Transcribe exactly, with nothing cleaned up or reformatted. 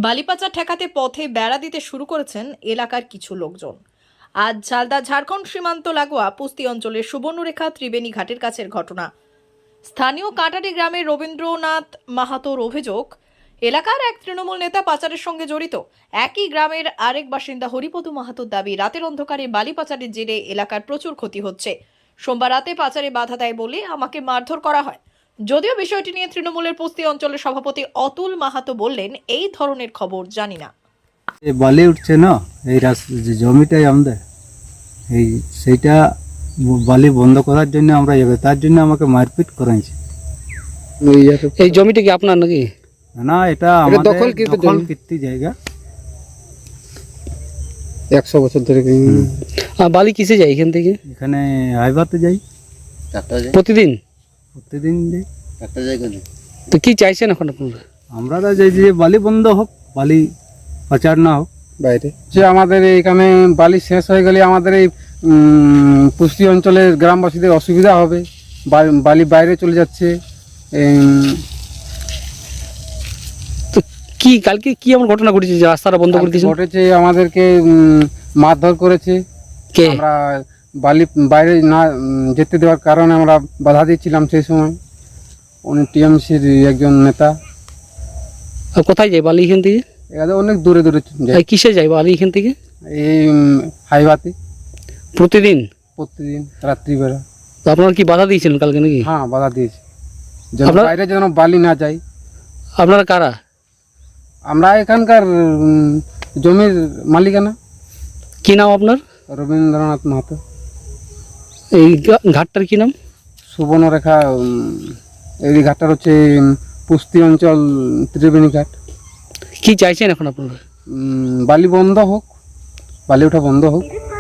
বালিপাচার ঠেকাতে পথে বেড়া দিতে শুরু করেছেন এলাকার কিছু লোকজন। আজ ঝালদা ঝাড়খণ্ড সীমান্ত লাগোয়া পুস্তি অঞ্চলের সুবর্ণরেখা ত্রিবেণী ঘাটের কাছের ঘটনা। স্থানীয় কাটারি গ্রামের রবীন্দ্রনাথ মাহাতোর অভিযোগ, এলাকার এক তৃণমূল নেতা পাচারের সঙ্গে জড়িত। একই গ্রামের আরেক বাসিন্দা হরিপদ মাহাতোর দাবি, রাতের অন্ধকারে বালি পাচারের জেরে এলাকার প্রচুর ক্ষতি হচ্ছে। সোমবার রাতে পাচারে বাধা দেয় বলে আমাকে মারধর করা হয়। যদিও বিষয়টি নিয়ে তৃণমূলের পুস্তি অঞ্চলের সভাপতি অতুল মাহাতো বললেন, এই ধরনের খবর জানি না। বালি উঠছে না, এই জমিটাই আমাদের, এই সেইটা বালি বন্ধ করার জন্য আমরা যাবে, তার জন্য আমাকে মারপিট করাইছে। এই জমিটা কি আপনার নাকি? না, এটা আমাদের দখলকৃত জায়গা। একশো বছর ধরে বালি কিসে যায় এখান থেকে? এখানে হাইবাতে যাই প্রতিদিন প্রতিদিন যাই। তো কি চাইছেন এখন আপনারা? আমরা তো চাইছি যে বালি বন্ধ হোক, বালি পাচার না হোক বাইরে। যে আমাদের এইখানে বালি শেষ হয়ে গেলে আমাদের এই পুষ্টি অঞ্চলের গ্রামবাসীদের অসুবিধা হবে, বালি বাইরে চলে যাচ্ছে। তো কি কালকে কি এমন ঘটনা ঘটেছে যে রাস্তাটা বন্ধ করে দিয়েছে? ঘটেছে আমাদেরকে মারধর করেছে। কে? আমরা বালি বাইরে না যেতে দেওয়ার কারণে আমরা বাধা দিচ্ছিলাম সেই সময়। উনি টিএমসির একজন নেতা। আর কোথায় যায় বালি এখান থেকে? এখানে অনেক দূরে দূরে যায়। কিসে যায় বালি এখান থেকে? এই হাইওয়াতে প্রতিদিন প্রতিদিন রাত্রিবেলা। তো আপনারা কি বাধা দিয়েছিলেন কালকে নাকি? হ্যাঁ, বাধা দিয়েছি যেন বাইরে যেন বালি না যায়। আপনারা কারা? আমরা এখানকার জমির মালিকানা। কি নাম আপনার? রবীন্দ্রনাথ মাহাতো। এই ঘাটটার কি নাম? সুবর্ণরেখা। এই ঘাটটার হচ্ছে পুস্তি অঞ্চল ত্রিবেণী ঘাট। কি চাইছেন এখন আপনারা? বালি বন্ধ হোক, বালি ওঠা বন্ধ হোক।